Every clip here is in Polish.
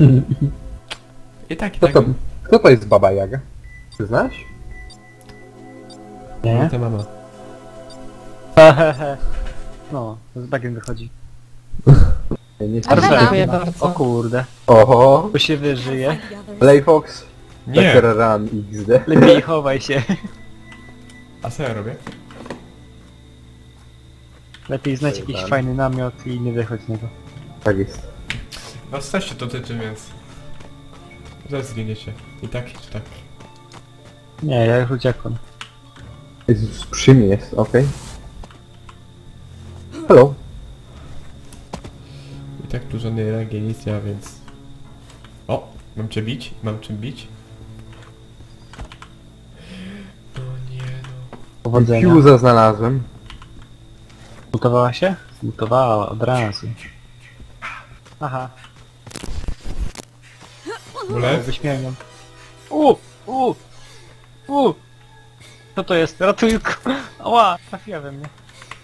I tak, i Kto tak. to, kto to jest Baba Jaga? Ty znasz? Nie? To mama. Hehehe. No, z bagiem wychodzi. Nie, nie Arwena. słyszałem. Dziękuję bardzo. O kurde, Oho, tu się wyżyje. Playfox, Nie! Better Run XD. Lepiej chowaj się. A co ja robię? Lepiej znać jakiś Zajebane. fajny namiot i nie wychodź z niego. Tak jest. Was też się to tyczy, więc... Zaraz zginiecie. I tak, czy tak. Nie, ja już uciekłem. Jezus, przy mnie jest, okej. Hello. I tak tu żadnej rangi, nic nie ma, więc... O! Mam cię bić? Mam czym bić? No nie no... Powodzenia. Fuse'a znalazłem. Zmutowała się? Zmutowała od razu. Aha, Bullet? wyśmieniam. Co to jest? Ratujku! Ała, trafiła we mnie.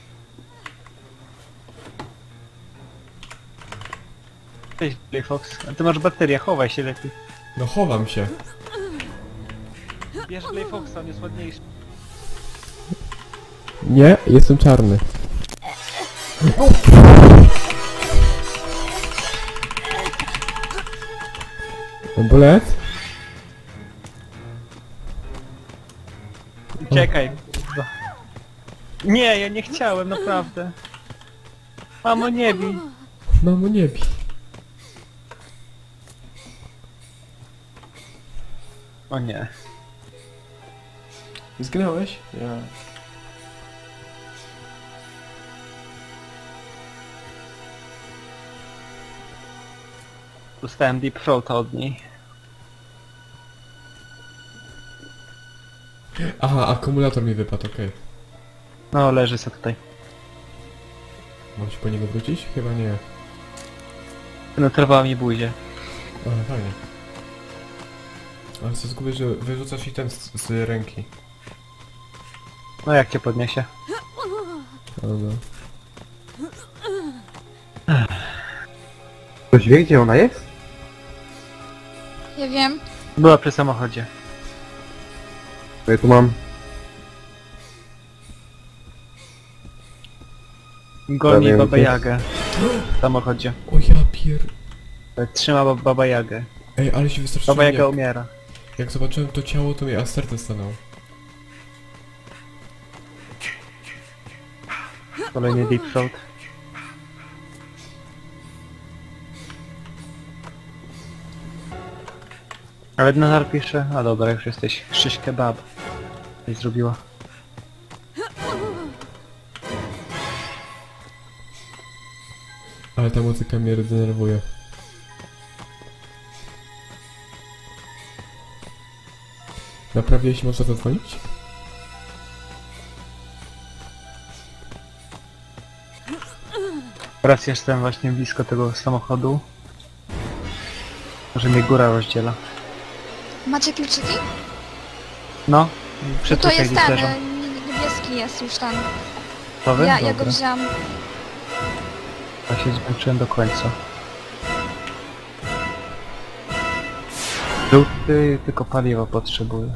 Cześć, Playfox. A ty masz baterię, chowaj się lepiej. No chowam się. Bierz Playfoxa, on jest ładniejszy. Nie, jestem czarny. Bullet? Uciekaj. kurwa. Nie, ja nie chciałem, naprawdę. Mamo, nie bij. Mamo nie bij. O nie. Zginąłeś? Ja. Dostałem deep throata od niej. Aha, akumulator mi wypadł, okej. No, leży sobie tutaj. Mam się po niego wrócić? Chyba nie. Penetrowała mi buzię. O, fajnie. Ale co zgubię, że wyrzucasz i ten z ręki. No jak cię podniesie? O, no. Ktoś wie, gdzie ona jest? Ja wiem. Była przy samochodzie. Ja tu mam... Goni Prawie Baba jest. Jagę. W samochodzie. O ja pier... Trzyma Baba Jagę. Ej, ale się wystraszyłem, Baba Jaga jak, umiera. jak zobaczyłem to ciało, to mi aż serce stanęło. Kolejny deep throat. Ale nadal pisze... A dobra, już jesteś. Szyś kebab. Coś zrobiła. Ale ta muzyka mnie denerwuje. Naprawdę, jeśli można zadzwonić? Teraz jestem właśnie blisko tego samochodu. Może mnie góra rozdziela. Macie kluczyki? No, To przytykaj jest gdzieś ten, leżą. niebieski jest już tam. Gotowy? Ja go Dobra. wziąłam. Ja się zmęczyłem do końca. Żółty tylko paliwo potrzebuje.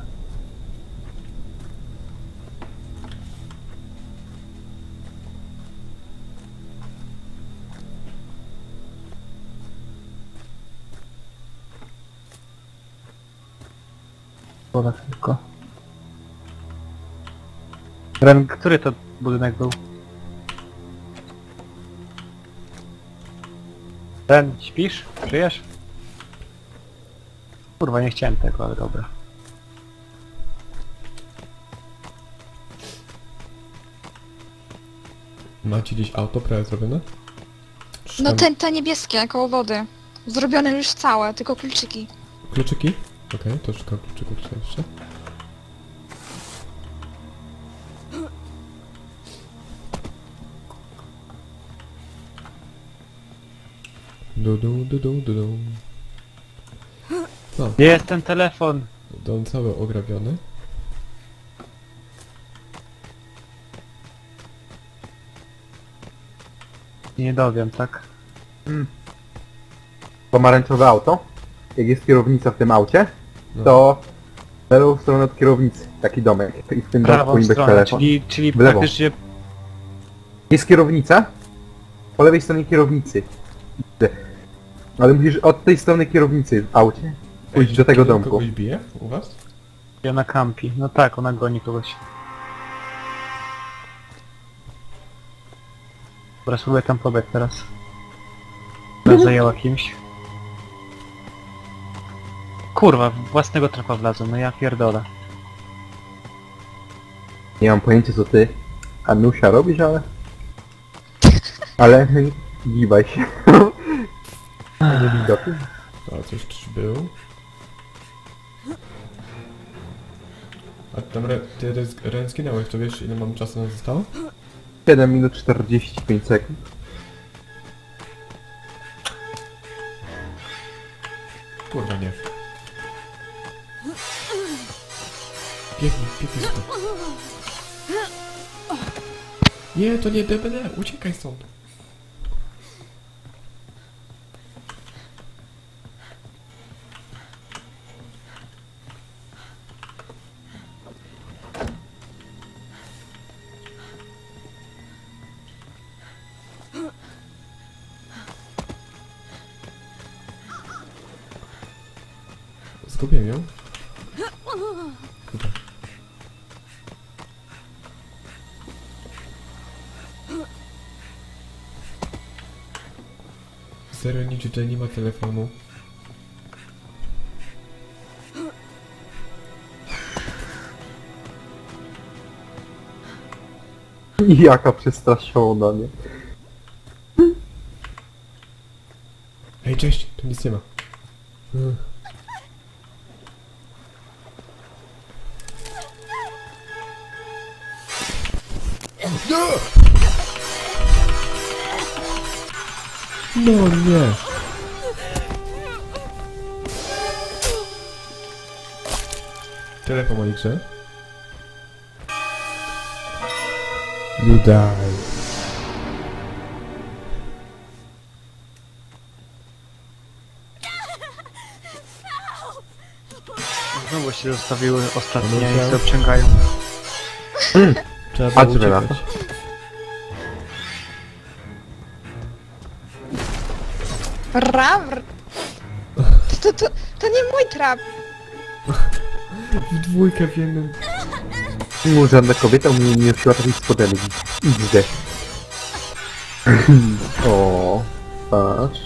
Woda tylko. Ren, który to budynek był? Ren, śpisz? Żyjesz? Kurwa, nie chciałem tego, ale dobra. Macie gdzieś auto prawie zrobione? Czy No tam te niebieskie, koło wody. Zrobione już całe, tylko kluczyki. Kluczyki? Okej, to szukam kluczyków tutaj jeszcze. Du. No, Gdzie jest ten telefon? dom cały ograbiony. Nie dowiem, tak? Pomarańczowe auto? jak jest kierownica w tym aucie, No. to w lewą stronę od kierownicy, taki domek. I w tym domku Prawą powinien być stronę, telefon. czyli W lewo. praktycznie... Jest kierownica, po lewej stronie kierownicy. Ale musisz od tej strony kierownicy w aucie pójść Ej, do tego czy domku. kogoś bije u was? Ona kampi. No tak, ona goni kogoś. Dobra, spróbuję tam pobiec teraz. Teraz zajęła kimś. Kurwa, w własnego trapa wlazłem, no ja pierdolę. Nie mam pojęcia co ty, Anusia, robisz, ale... Ale... Gibaj się. Nie widoki. A coś był. A tam ty Ren zginąłeś, to wiesz ile mam czasu na zostało? 7 minut 45 sekund. Kurwa nie. Biegnij stąd. Nie, to nie DBD, uciekaj stąd. Zgubiłem ją. Tutaj. Serio, nic tutaj nie ma telefonu. Jaka przestraszona, nie? Hej, cześć, tu nic nie ma. No nie. Tyle po mojej grze. You die. Znowu się zostawiły ostatnie No, i tak. się obciągają. Trzeba Patrz, było Wela. uciekać. Rawr! To nie mój trap! W dwójkę w jednym. Żadna kobieta mnie nie nosiła takich spodenek. Idę. O, patrz.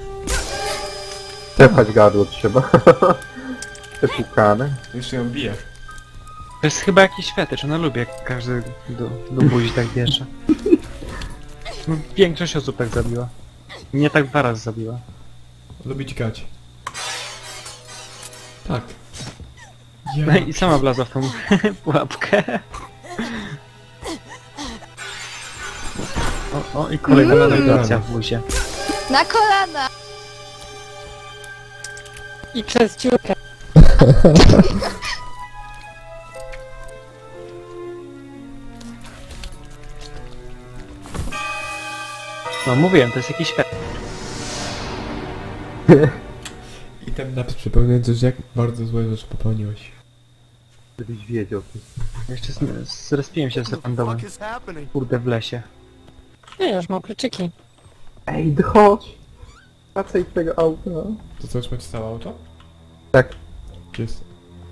Tepać gardło trzeba. Te pukane. Jeszcze ją bije. To jest chyba jakiś fetycz, ona lubi jak każdy do buzi tak bierze. No, większość osób tak zabiła. Mnie tak 2 razy zabiła. Lubi dźgać. Tak. No i sama wlazła w tą pułapkę. O, i kolejna validacja w buzie. Na kolana! I przez dziurkę. No mówiłem, to jest jakiś fetycz. I ten napis przypominający, że jak bardzo złe rzeczy popełniłeś. Żebyś wiedział. Jeszcze zrespiłem się z randomem. Kurde, w lesie. Nie, już mam kluczyki. Ej, chodź! Wracaj twojego auta. To co, już macie całe auto? Tak. Gdzie jest?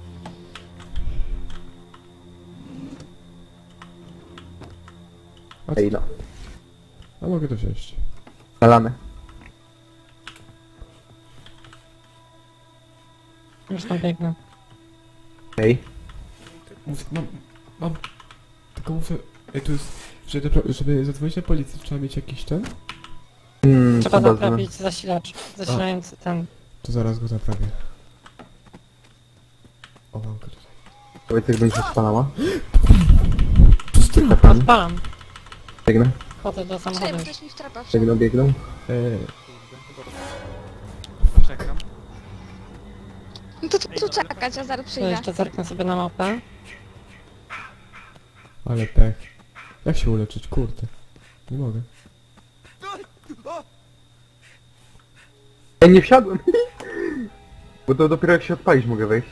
Ej no. A mogę to wziąć. Nalane. Już tam biegnę. Ej. Mam. Tylko muszę... Ej, tu jest... Żeby zadzwonić na policję, trzeba mieć jakiś ten? Trzeba chyba naprawić zasilacz. Zasilający ten. To zaraz go naprawię. O, mam go tutaj. Powiedz jak będzie spalała. Odpalam. Biegnę, Chodzę do Czekaj, samochodu. bo ktoś mi w trapa wszedł. biegnę, biegnę. Czekam. No to tu czekać, a zaraz To przyjdę. jeszcze zerknę sobie na mapę. Ale pech. Jak się uleczyć? Kurde. Nie mogę. Ej, nie wsiadłem! Bo to dopiero jak się odpalić mogę wejść.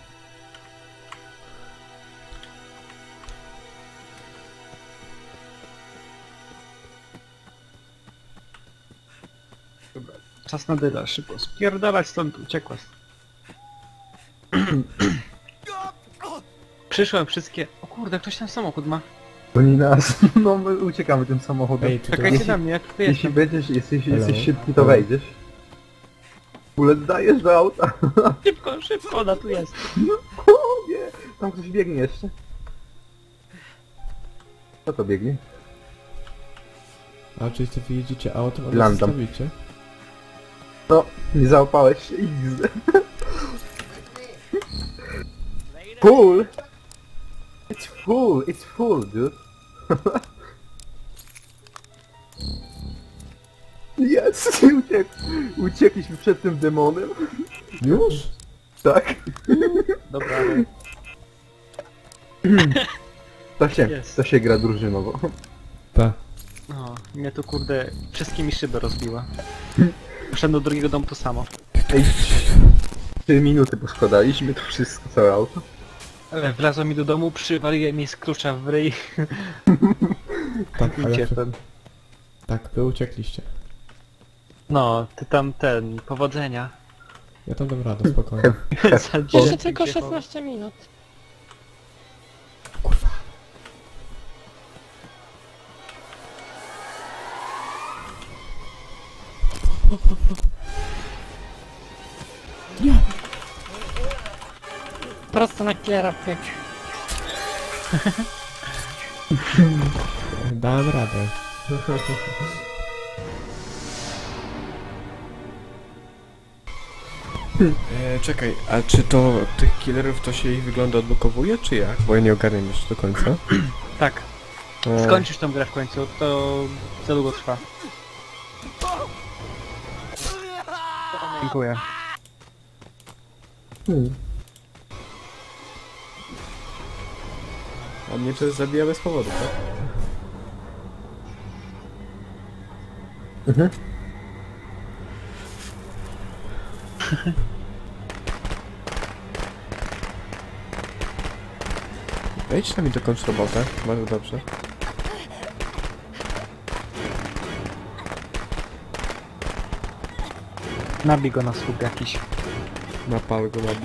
Dobra, czas na dyla, szybko. Spierdalać stąd, uciekła. Przyszłem wszystkie... O kurde, ktoś ten samochód ma. To nie nas. No my uciekamy tym samochodem. Ej, tu Czekajcie Jeśli- na mnie, jak tu Jeśli jestem. będziesz, jesteś Hello? szybki, to wejdziesz. Bullet, dajesz do auta. Szybko, szybko, ona tu jest. O nie! Tam ktoś biegnie jeszcze. Co to biegnie? A czyli wy jedziecie autem, a nas Landam. zostawicie? No, nie załapałeś się i widzę. Full! It's full, dude. Jest! Uciekliśmy przed tym demonem. Już? Tak. Dobra, ale... Jest. To się gra drużynowo. Tak. No, mnie tu kurde wszystkie mi szyby rozbiła. Poszedłem do drugiego domu to samo. Ej, 3 minuty poskładaliśmy to wszystko, całe auto. Ale wlazło mi do domu, przywaliłem mi z klucza w ryj Tak, i ale uciekłem. tak, wy uciekliście. No, ty tam powodzenia. Ja tam dam radę, spokojnie. Za Jeszcze dzień tylko wjechał. 16 minut. Kurwa. Prosto na killera pyk. Dałem radę. Czekaj, a czy to tych killerów to się ich wygląda odblokowuje, czy jak? Bo ja nie ogarniam jeszcze do końca. Tak, skończysz tą grę w końcu, to za długo trwa. Dziękuję. A mnie to zabija bez powodu, tak? Mhm. Wejdź tam i dokończ robotę, bardzo dobrze. Nabij go na słup jakiś. Napal go nabi.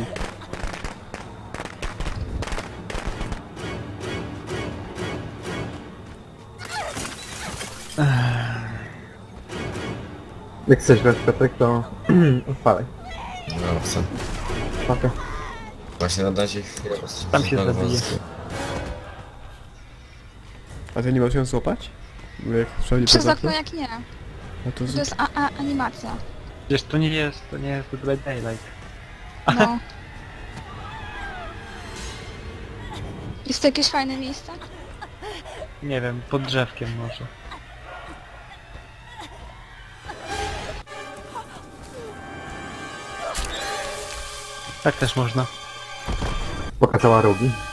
Jak chcesz grać Piotrek, to odpalaj. No, chcę. Pakę. Właśnie na razie chwilę Tam się zabije. A ty nie możesz ją złapać? Bo jak wszędzie Przez poza okno jak nie. a to To jest animacja. Wiesz, to nie jest w ogóle Daylight. No. Jest to jakieś fajne miejsce? Nie wiem, pod drzewkiem może. Tak też można. Pokazała rogi.